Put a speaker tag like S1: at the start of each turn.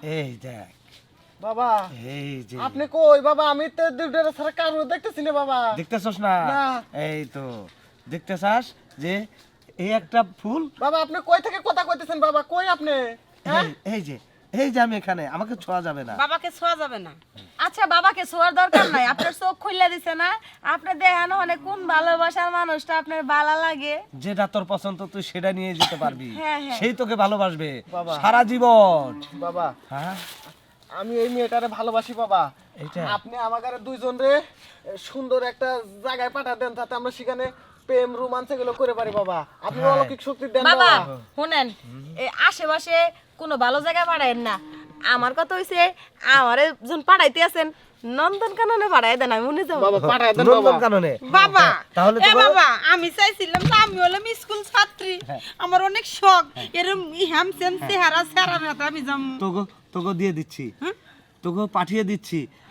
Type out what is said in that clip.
S1: এই দেখ
S2: বাবা
S1: এই যে
S2: আপনি কই বাবা? আমি তো দুটার ছাড়া কারো দেখতেছি না বাবা।
S1: দেখতেছস না?
S2: না।
S1: এই তো দেখতেছাস যে এই একটা ফুল।
S2: বাবা আপনি কই থেকে কথা কইতেছেন বাবা? কই আপনি? হ্যাঁ
S1: এই যে আমি এখানে, আমাকে ছোঁয়া যাবে না।
S3: বাবাকে ছোঁয়া যাবে না। আচ্ছা বাবাকে ছোঁয়ার দরকার নাই, আপনার চোখ খুলে দিছে না, আপনি দেখেন অনেক কোন ভালোবাসার মানুষটা আপনার ভালো লাগে।
S1: যেটা তোর পছন্দ তুই সেটা নিয়ে যেতে পারবি,
S3: হ্যাঁ, হ্যাঁ।
S1: সেই তোকে ভালোবাসবে
S2: বাবা।
S1: সারা জীবন।
S2: বাবা
S1: হ্যাঁ
S2: আমি এই মেয়েটারে ভালোবাসি বাবা।
S1: এইটা?
S2: আপনি আমাদের দুইজন রে সুন্দর একটা জায়গায় পাঠা দেন, যাতে আমরা সেখানে প্রেম রোমান্স এগুলো করে পারি বাবা। আপনি
S1: হ্যাঁ।
S2: অলৌকিক শক্তি দেন
S3: বাবা
S2: বাবা।
S3: শুনেন, এই আশেপাশে কোনো ভালো জায়গায় পাঠায়েন না। আমার কথা হইছে আমারে যখন পাঠাইতে আছেন নন্দনকাননে পাঠাই দেন, আমি মনে যাবো।
S2: বাবা পাঠা দেন
S1: নন্দন
S2: বাবা।
S1: কাননে।
S4: বাবা
S1: তাহলে
S4: এ
S1: তো
S4: বাবা আমি চাইছিলাম যে আমি হলাম স্কুল ছাত্রী, আমার অনেক শখ এরকম হ্যামসেম চেহারা চেহারা আমি যাম।
S1: তোকে দিয়ে দিচ্ছি, তোকে পাঠিয়ে দিচ্ছি।